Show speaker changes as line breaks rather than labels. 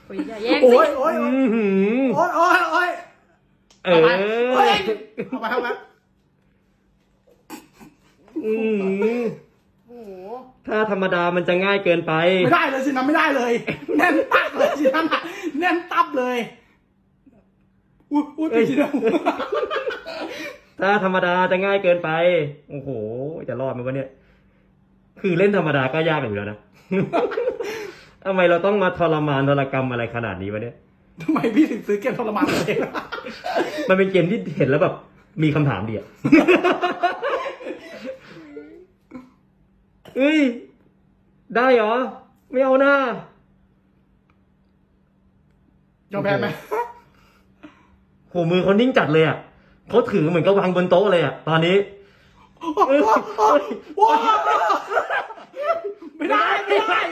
โอ้ยอย่าแย่ง
โอ้
สิ
ยโอ้ย
อื้อหือ
โอ้ยโอ้ยโอ้ย
เอ
เอา
อ
ไปเฮ้ยเอาไปเอาไป
อื้อหือ
โอ้โห
ถ้าธรรมดามันจะง่ายเกินไป
ไม่ได้เลยสินะไม่ได้เลย แน่นตับเลยสินะแน่นตับเลยอุ้ยพี่สินะ
ถ้าธรรมดาจะง่ายเกินไป โอ้โห จะรอดไหมวะเนี่ย คือเล่นธรรมดาก็ยากอยู่แล้วนะ ทำไมเราต้องมาทรมานทรกรรมอะไรขนาดนี้วะเนี่ย
ทำไมพี่ถึงซื้อเกมทรมานตัวเอง
มันเป็นเกมที่เห็นแล้วแบบมีคำถามดีอะ เฮ้ย ได้เหรอ ไม่เอาหน้าย
อมแพ้ไหม
โหมือเขานิ่งจัดเลยอ่ะเขาถือเหมือนกับวางบนโต๊ะเลยอ่ะ ตอนนี้
ว้าวไม่ได้ไม่ได้